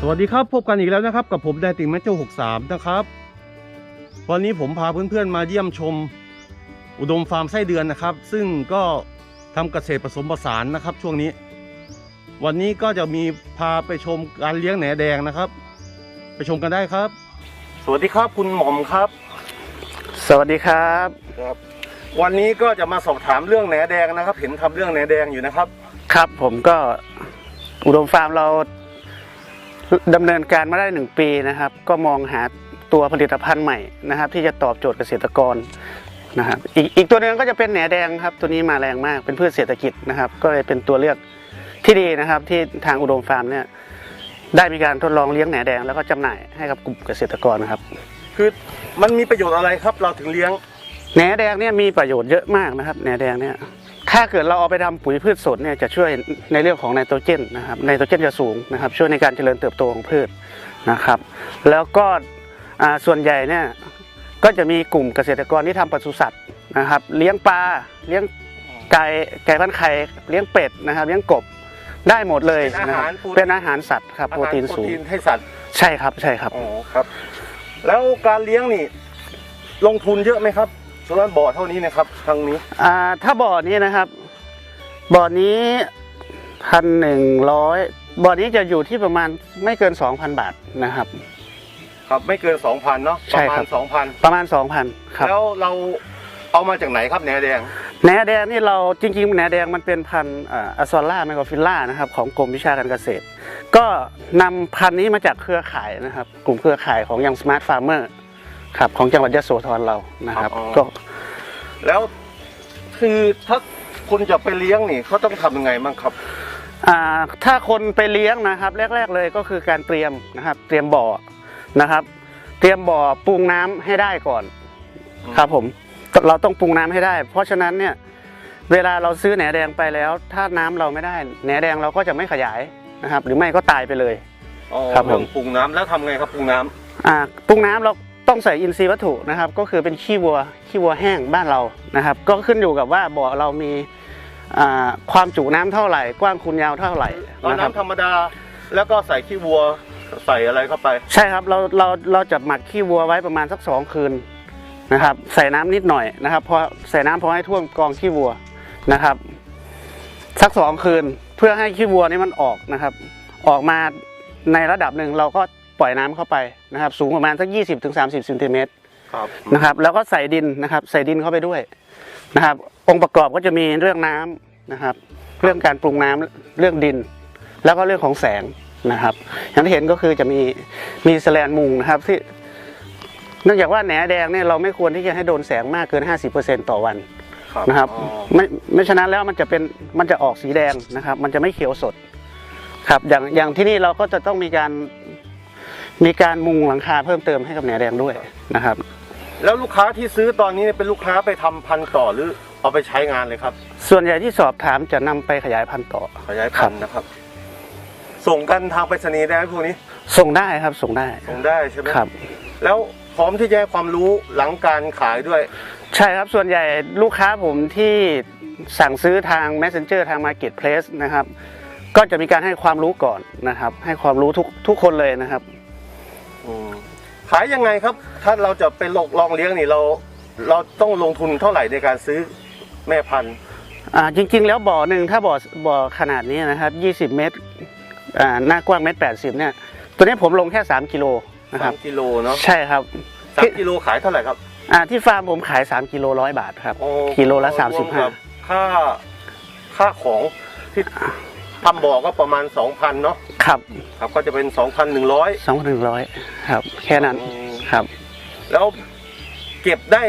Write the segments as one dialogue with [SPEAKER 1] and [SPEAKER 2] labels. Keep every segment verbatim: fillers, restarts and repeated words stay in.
[SPEAKER 1] สวัสดีครับพบกันอีกแล้วนะครับกับผมไดติงแมจโจหกสามนะครับวันนี้ผมพาเพื่อนๆมาเยี่ยมชมอุดมฟาร์มไส้เดือนนะครับซึ่งก็ทำเกษตรผสมผสานนะครับช่วงนี้วันนี้ก็จะมีพาไปชมการเลี้ยงแหนแดงนะครับไปชมกันได้ครับสวัสดีครับคุณหม่อมครับ
[SPEAKER 2] สวัสดีครับ
[SPEAKER 1] ครับวันนี้ก็จะมาสอบถามเรื่องแหนแดงนะครับเห็นทำเรื่องแหนแดงอยู่นะครับ
[SPEAKER 2] ครับผมก็อุดมฟาร์มเราดำเนินการมาได้หนึ่งปีนะครับก็มองหาตัวผลิตภัณฑ์ใหม่นะครับที่จะตอบโจทย์เกษตรกรนะครับอีกอีกตัวนึงก็จะเป็นแหนแดงครับตัวนี้มาแรงมากเป็นพืชเศรษฐกิจนะครับก็เลยเป็นตัวเลือกที่ดีนะครับที่ทางอุดมฟาร์มเนี่ยได้มีการทดลองเลี้ยงแหนแดงแล้วก็จำหน่ายให้กับกลุ่มเกษตรกรนะครับ
[SPEAKER 1] คือมันมีประโยชน์อะไรครับเราถึงเลี้ยง
[SPEAKER 2] แหนแดงเนี่ยมีประโยชน์เยอะมากนะครับแหนแดงเนี่ยถ้าเกิดเราเอาไปทำปุ๋ยพืชสดเนี่ยจะช่วยในเรื่องของไนโตรเจนนะครับไนโตรเจนจะสูงนะครับช่วยในการเจริญเติบโตของพืชนะครับแล้วก็ส่วนใหญ่เนี่ยก็จะมีกลุ่มเกษตรกรที่ทำปศุสัตว์นะครับเลี้ยงปลาเลี้ยงไก่ไก่พันไข่เลี้ยงเป็ดนะครับเลี้ยงกบได้หมดเลยนะครับเป็นอาหารสัตว์ครับโปรตีนสูง
[SPEAKER 1] ให้สัตว์
[SPEAKER 2] ใช่ครับใช่ครับ
[SPEAKER 1] อ๋อครับแล้วการเลี้ยงนี่ลงทุนเยอะไหมครับสำหรับบ่อเท่านี้นะครับทางนี้
[SPEAKER 2] อ่าถ้าบ่อนี้นะครับบ่อนี้พันหนึ่งร้อยบ่อนี้จะอยู่ที่ประมาณไม่เกินสองพันบาทนะครับ
[SPEAKER 1] ครับไม่เกินสองพันเนาะประมาณสองพัน
[SPEAKER 2] ประมาณสองพันครับ
[SPEAKER 1] แล้วเราเอามาจากไหนครับแหนแดง
[SPEAKER 2] แหนแดงนี่เราจริงๆแหนแดงมันเป็นพันธุ์อะซอล่าไมโครฟิลล่านะครับของกรมวิชาการเกษตรก็นำพันธุ์นี้มาจากเครือข่ายนะครับกลุ่มเครือข่ายของยังสมาร์ทฟาร์มเมอร์ครับของจังหวัดยโสธรเรานะครับก็
[SPEAKER 1] แล้วคือถ้าคนจะไปเลี้ยงนี่เขาต้องทำยังไงบ้างครับ
[SPEAKER 2] อ่าถ้าคนไปเลี้ยงนะครับแรกๆเลยก็คือการเตรียมนะครับเตรียมบ่อนะครับเตรียมบ่อปรุงน้ำให้ได้ก่อนครับผมเราต้องปรุงน้ำให้ได้เพราะฉะนั้นเนี่ยเวลาเราซื้อแหนแดงไปแล้วถ้าน้ำเราไม่ได้แหนแดงเราก็จะไม่ขยายนะครับหรือไม่ก็ตายไปเลย
[SPEAKER 1] ครับผมปรุงน้ำแล้วทำไงครับปรุงน้
[SPEAKER 2] ำอ่าปรุงน้ำเราต้องใส่อินทรีย์วัตถุนะครับก็คือเป็นขี้วัวขี้วัวแห้งบ้านเรานะครับก็ขึ้นอยู่กับว่าบ่อเรามีความจุน้ำเท่าไหร่กว้างคูณยาวเท่าไหร่
[SPEAKER 1] น้ำธรรมดาแล้วก็ใส่ขี้วัวใส่อะไรเข้าไป
[SPEAKER 2] ใช่ครับเราเราเราจะหมักขี้วัวไว้ประมาณสักสองคืนนะครับใส่น้ำนิดหน่อยนะครับพอใส่น้ำพอให้ท่วมกองขี้วัวนะครับสักสองคืนเพื่อให้ขี้วัวนี่มันออกนะครับออกมาในระดับหนึ่งเราก็ปล่อยน้ำเข้าไปนะครับสูงประมาณสักยี่สิบถึงสามสิบเซนติเมตรนะครับแล้วก็ใส่ดินนะครับใส่ดินเข้าไปด้วยนะครับองค์ประกอบก็จะมีเรื่องน้ำนะครับเรื่องการปรุงน้ำเรื่องดินแล้วก็เรื่องของแสงนะครับอย่างที่เห็นก็คือจะมีมีแสแลนมุงนะครับที่เนื่องจากว่าแหนแดงเนี่ยเราไม่ควรที่จะให้โดนแสงมากเกิน ห้าสิบเปอร์เซ็นต์ ต่อวันนะครับไม่ไม่ฉะนั้นแล้วมันจะเป็นมันจะออกสีแดงนะครับมันจะไม่เขียวสดครับอย่างอย่างที่นี่เราก็จะต้องมีการมีการมุงหลังคาเพิ่มเติมให้กับแหนแดงด้วยนะครับ
[SPEAKER 1] แล้วลูกค้าที่ซื้อตอนนี้เป็นลูกค้าไปทำพันธุ์ต่อหรือเอาไปใช้งานเลยครับ
[SPEAKER 2] ส่วนใหญ่ที่สอบถามจะนำไปขยายพันธุ์ต่อ
[SPEAKER 1] ขยายพันธุ์นะครับส่งกันทางไปรษณีย์ได้ไหมพวกนี้
[SPEAKER 2] ส่งได้ครับส่งได้
[SPEAKER 1] ส่งได้ใช่ไหม
[SPEAKER 2] ครับ
[SPEAKER 1] แล้วพร้อมที่จะให้ความรู้หลังการขายด้วย
[SPEAKER 2] ใช่ครับส่วนใหญ่ลูกค้าผมที่สั่งซื้อทาง Messenger ทาง Marketplace นะครับก็จะมีการให้ความรู้ก่อนนะครับให้ความรู้ทุกทุกคนเลยนะครับ
[SPEAKER 1] ขายยังไงครับถ้าเราจะไปลองเลี้ยงนี่เราเราต้องลงทุนเท่าไหร่ในการซื้อแม่พันธุ์
[SPEAKER 2] อ่าจริงๆแล้วบ่อหนึ่งถ้าบ่อบ่อขนาดนี้นะครับยี่สิบเมตรอ่าหน้ากว้างเมตรแปดสิบเนี่ยตัวนี้ผมลงแค่สามกิโลนะครับ
[SPEAKER 1] สามกิโลเนาะ
[SPEAKER 2] ใช่ครับ
[SPEAKER 1] สามกิโลขายเท่าไหร่ครับ
[SPEAKER 2] อ่าที่ฟาร์มผมขายสามกิโลร้อยบาทครับกิโลละสามสิบห้า
[SPEAKER 1] ค่าค่าของที่ทำบ่อก็ประมาณ สองพัน เนาะ
[SPEAKER 2] ครับ
[SPEAKER 1] ครับก็จะเป็น สองพันหนึ่งร้อย
[SPEAKER 2] สองพันหนึ่งร้อยครับแค่นั้นครับ
[SPEAKER 1] แล้วเก็บได้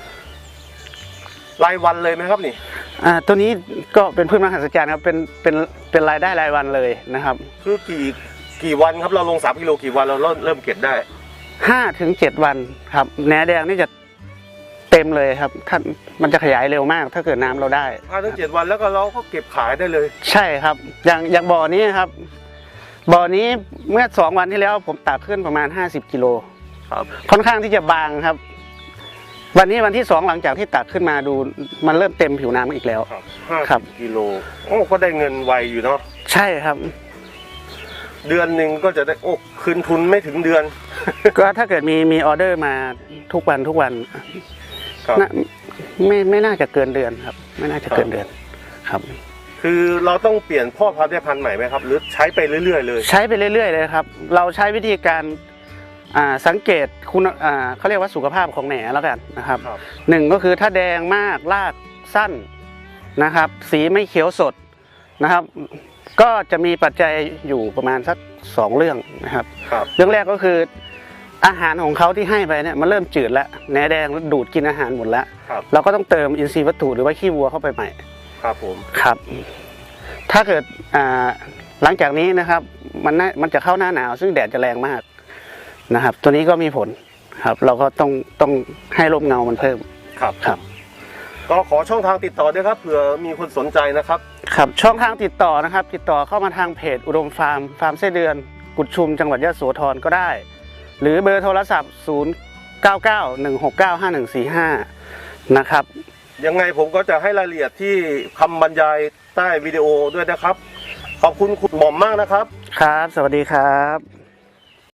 [SPEAKER 1] รายวันเลยไหมครับนี่
[SPEAKER 2] อ่าตัวนี้ก็เป็นพืชมหัศจรรย์ครับเป็นเป็นเป็นรายได้รายวันเลยนะครับ
[SPEAKER 1] คือกี่กี่วันครับเราลงสามกิโลกี่วันเราเริ่มเริ่มเก็บได้
[SPEAKER 2] ห้าถึงเจ็ดวันครับแหนแดงนี่จะเต็มเลยครับถ้ามันจะขยายเร็วมากถ้าเกิดน้ำเราได้
[SPEAKER 1] ห้าถึงเจ็ดวันแล้วก็เราก็เก็บขายได้เลย
[SPEAKER 2] ใช่ครับอย่างอย่างบ่อนี้ครับบ่อนี้เมื่อสองวันที่แล้วผมตักขึ้นประมาณห้าสิบกิโล
[SPEAKER 1] ครับ
[SPEAKER 2] ค่อนข้างที่จะบางครับวันนี้วันที่สองหลังจากที่ตักขึ้นมาดูมันเริ่มเต็มผิวน้ำอีกแล้ว
[SPEAKER 1] ครับห้าสิบกิโลโอ้ก็ได้เงินไวอยู่เนาะ
[SPEAKER 2] ใช่ครับ
[SPEAKER 1] เดือนหนึ่งก็จะได้โอ้คืนทุนไม่ถึงเดือน
[SPEAKER 2] ก็ถ้าเกิดมีมีออเดอร์มาทุกวันทุกวัน
[SPEAKER 1] ครับ
[SPEAKER 2] น่าไม่ไม่น่าจะเกินเดือนครับ ไม่น่าจะเกินเดือนครับ
[SPEAKER 1] คือเราต้องเปลี่ยนพ่อพันธุ์ได้พันธุ์ใหม่ไหมครับหรือใช้ไปเรื่อยๆเลย
[SPEAKER 2] ใช้ไปเรื่อยๆเลยครับ เราใช้วิธีการอ่าสังเกตคุณอ่าเขาเรียกว่าสุขภาพของแหน่แล้วกันนะครับ
[SPEAKER 1] ครับ
[SPEAKER 2] หนึ่งก็คือถ้าแดงมากรากสั้นนะครับ สีไม่เขียวสดนะครับ ก็จะมีปัจจัยอยู่ประมาณสักสองเรื่องนะครับ
[SPEAKER 1] ครับ
[SPEAKER 2] เรื่องแรกก็คืออาหารของเขาที่ให้ไปเนี่ยมันเริ่มจืดแล้วแหนแดงดูดกินอาหารหมดแล้ว
[SPEAKER 1] ครับ
[SPEAKER 2] เราก็ต้องเติมอินทรีย์วัตถุหรือว่าขี้วัวเข้าไปใหม่
[SPEAKER 1] ครับผม
[SPEAKER 2] ครับ ถ้าเกิดอ่าหลังจากนี้นะครับมันน่ามันจะเข้าหน้าหนาวซึ่งแดดจะแรงมากนะครับ ตัวนี้ก็มีผลครับ เราก็ต้องต้องให้ร่มเงามันเพิ่ม
[SPEAKER 1] ครับ
[SPEAKER 2] ครับ
[SPEAKER 1] ก็ขอช่องทางติดต่อด้วยครับเผื่อมีคนสนใจนะครับ
[SPEAKER 2] ครับช่องทางติดต่อนะครับ ติดต่อเข้ามาทางเพจอุดมฟาร์มฟาร์มไส้เดือนกุดชุมจังหวัดยะโสธรก็ได้ หรือเบอร์โทรศัพท์ ศูนย์ เก้า เก้า หนึ่ง หก เก้า ห้า หนึ่ง สี่ ห้า นะครับ
[SPEAKER 1] ยังไงผมก็จะให้รายละเอียดที่คำบรรยายใต้วิดีโอด้วยนะครับ ขอบคุณคุณหม่อมมากนะครับ
[SPEAKER 2] ครับ สวัสดีครับ